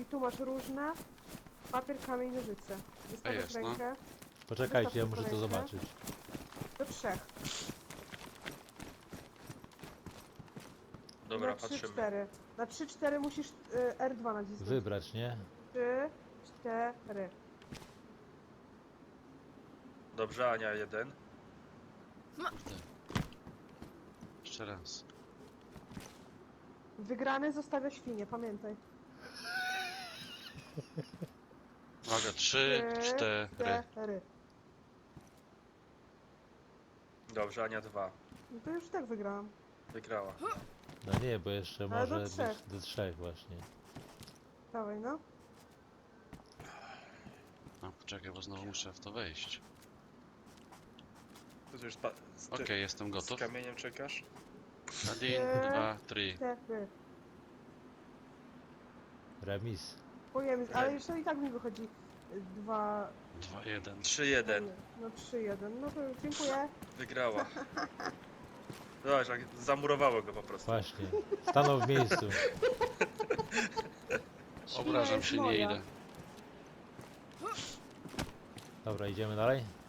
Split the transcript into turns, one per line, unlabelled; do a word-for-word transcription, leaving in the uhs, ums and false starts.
I tu masz różne. Papier, kamień, nożyce. Wystawiasz
jest, no.
rękę.
Poczekajcie, ja
Wystaw
muszę to
rękę.
zobaczyć.
Do trzech.
Dobra,
na trzy,
patrzymy.
cztery. Na trzy, cztery musisz y, R dwa nacisnąć.
Wybrać, nie?
trzy, cztery.
Dobrze, Ania jeden.
Kurde. Jeszcze raz.
Wygrany zostawia świnię, pamiętaj.
Uwaga, trzy, cztery.
cztery.
Dobrze, Ania dwa.
No to już tak wygrałam.
Wygrała.
No nie, bo jeszcze
Ale do
może
trzech.
być do trzech właśnie.
Dawaj, no.
No, poczekaj, bo znowu muszę w to wejść.
To już pa... z, ty...
Okej, jestem
z
gotów.
kamieniem czekasz?
Jeden, dwa, trzy.
Cztery.
Remis.
Pojemy, ale jeszcze i tak mi wychodzi dwa...
Dwa, jeden.
trzy jeden.
No trzy, jeden. No to dziękuję.
Wygrała. Zobacz, jak zamurowało go po prostu.
Właśnie. Stanął w miejscu.
Obrażam
jest
się, nie
moja.
idę.
Dobra, idziemy dalej?